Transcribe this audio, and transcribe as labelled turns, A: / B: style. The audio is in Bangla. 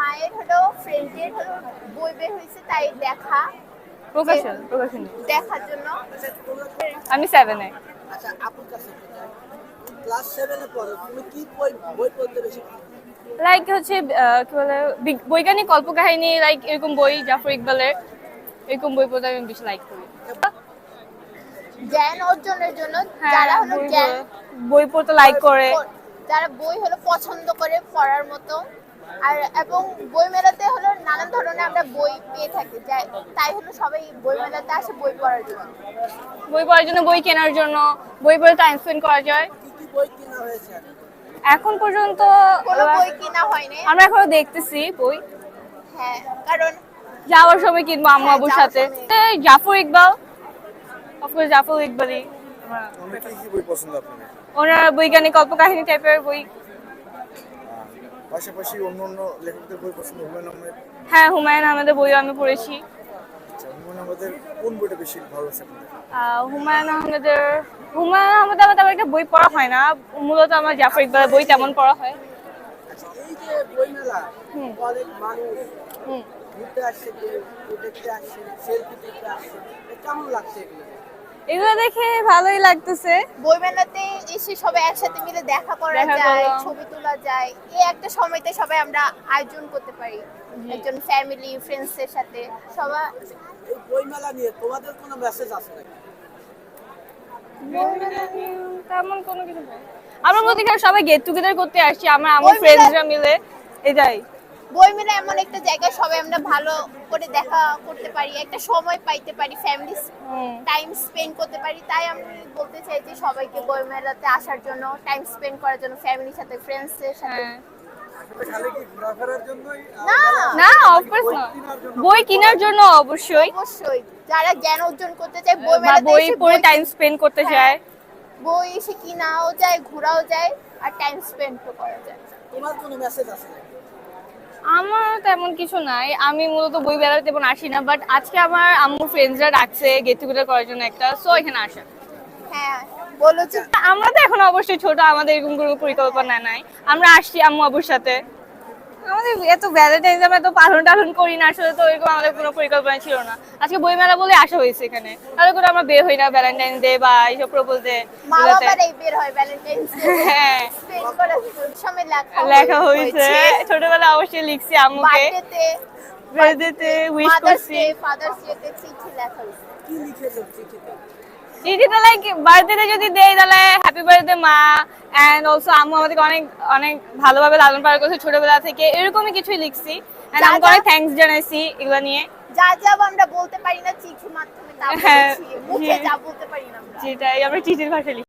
A: মায়ের হলো ফ্রেন্ডের হলো বই বের হয়েছে তাই
B: প্রকাশনী
A: দেখার জন্য।
B: আমি 7 এ।
C: আচ্ছা আপুর কাছে ক্লাস 7 এ পড়ো, তুমি কি বই বই পড়তে বেশি ভালো?
B: লাইক হচ্ছে কি বলে বৈজ্ঞানিক কল্পকাহিনী, লাইক এরকম বই, জাফর ইকবালের এরকম বই পড়তে আমি বেশি লাইক করি।
A: জ্ঞান অর্জনের জন্য
B: হ্যাঁ,
A: যারা হলো জ্ঞান
B: বই পড়তে লাইক করে,
A: যারা বই হলো পছন্দ করে পড়ার মতো। আর এবং বই মেলাতে হলো নানান ধরনের আমরা বই পেয়ে থাকি, তাই হলো সবাই বই মেলাতে আসে বই পড়ার জন্য।
B: বই পড়ার জন্য, বই কেনার জন্য, বই পড়ে টাইম স্পেন্ড করা যায়।
C: কি কি বই কেনা হয়েছে?
B: এখন পর্যন্ত
A: কোনো বই কিনা হয়নি,
B: আমরা এখনো দেখতেছি বই,
A: হ্যাঁ কারণ
B: যাওয়ার সময় কিনবো আম্মু আব্বুর
A: যাওয়ার
B: সাথে।
A: সময়।
B: জাফর ইকবাল, অফকোর্স জাফর ইকবালই।
D: অনেকে কি বই পছন্দ আপনার?
B: ওনার বৈজ্ঞানিক কল্পকাহিনী টাইপের বই।
D: পাশাপাশি অন্য অন্য লেখকদের বই পছন্দ, হুমায়ুন আহমেদ?
B: হ্যাঁ, হুমায়ুন আহমেদের বইও আমি পড়েছি।
D: আচ্ছা, হুমায়ুন আহমেদের কোন বইটা বেশি ভালো লাগছে আপনাদের?
B: হুমায়ুন আহমেদের আমার তেমন একটা বই পড়া হয় না, মূলত আমার জাফর ইকবালের বই তেমন পড়া হয়।
C: আচ্ছা এই যে বই মেলা,
B: হুম।
C: অনেক মানুষ
B: হুম।
C: ঘুরতে আসছে, কেউ দেখতে আসছে, সেলফি দেখতে আসছে, কেমন লাগছে এগুলো?
B: এগুলো দেখে ভালোই লাগতেছে।
A: বই মেলাতে এসে সবাই একসাথে মিলে দেখা করা
B: দেখা
A: যায়,
B: করলাম।
A: ছবি তোলা যায়, এই একটা সময়তে সবাই আমরা আয়োজন করতে পারি একজন ফ্যামিলি ফ্রেন্ডসের সাথে সবাই।
C: এই বই মেলা নিয়ে তোমাদের কোনো মেসেজ আছে নাকি?
B: তেমন কোনো কিছু নেই, আমরা মধ্যে সবাই গেট টুগেদার করতে আসছি, আমার
A: বই মেলা-
B: ফ্রেন্ডসরা মিলে এটাই।
A: বই মেলা এমন একটা জায়গায় সবাই আমরা ভালো করে দেখা করতে পারি, একটা সময় পাইতে পারি, ফ্যামিলি টাইম স্পেন্ড করতে পারি। তাই আমি বলতে চাই যে সবাইকে বই মেলাতে আসার জন্য, টাইম স্পেন্ড করার জন্য, ফ্যামিলির সাথে ফ্রেন্ডসদের সাথে।
B: হ্যাঁ।
C: খালি কি ঘোরাফেরার জন্যই?
A: না
B: না, অফকোর্স না, বই কেনার জন্য অবশ্যই,
A: অবশ্যই যারা জ্ঞান অর্জন করতে চায় বই
B: বা
A: মেলাতে
B: বই
A: এসে
B: পড়ে টাইম স্পেন্ড করতে
A: হ্যাঁ,
B: চায়।
A: বই এসে কিনাও যায়, ঘোরাও যায়, আর টাইম স্পেন্ড করা যায়।
C: তোমার কোনো মেসেজ আছে নাকি?
B: আমার তেমন কিছু নাই, আমি মূলত বই বেড়াতে তেমন আসি না, বাট আজকে আমার আম্মু ফ্রেন্ডসরা ডাকছে গেট টুগেদার করার জন্য একটা, সো এখানে আসা।
A: হ্যাঁ বলো যে
B: আমরা তো এখন অবশ্যই ছোট, আমাদের এরকম কোনো পরিকল্পনা নাই, আমরা আসছি আম্মু আব্বুর সাথে। আমাদের এত ভ্যালেন্টাইন্স আমরা তো পালন টালন করি না, আসলে তো এরকম আমাদের কোনো পরিকল্পনা ছিল না, আজকে বই মেলা বলে আসা হয়েছে এখানে, তাহলে করে আমরা বের হই না ভ্যালেন্টাইন ডে বা এইসব প্রপোজ ডে।
A: মা বাবারাই বের হয় ভ্যালেন্টাইন্স ডে
B: হ্যাঁ,
A: স্পেন্ড করার সময়
B: লেখা হয়েছে, ছোটবেলা অবশ্যই লিখছি আম্মুকে, বার্থডেতে উইশ
A: মাদার্স
B: করছি।
A: ডে, ফাদার্স ডে তে চিঠি লেখা হয়েছে।
C: কি লিখেছো চিঠিতে?
B: চিঠিটা লাইক বার্থডেতে যদি দেই তাহলে হ্যাপি বার্থডে মা, এন্ড অলসো আম্মু আমাদেরকে অনেক অনেক ভালোভাবে লালন পালন করেছে ছোটবেলা থেকে, এরকমই কিছুই লিখছি, এন্ড
A: যা
B: আমাকে
A: যা-
B: অনেক থ্যাঙ্কস জানাইছি এগুলো নিয়ে।
A: যা যা আমরা বলতে পারি না চিঠির মাধ্যমে তা
B: হ্যাঁ,
A: বলেছি, মুখে
B: জি।
A: যা বলতে পারি না আমরা।
B: যেটাই আমরা চিঠির ভাষায় লিখি।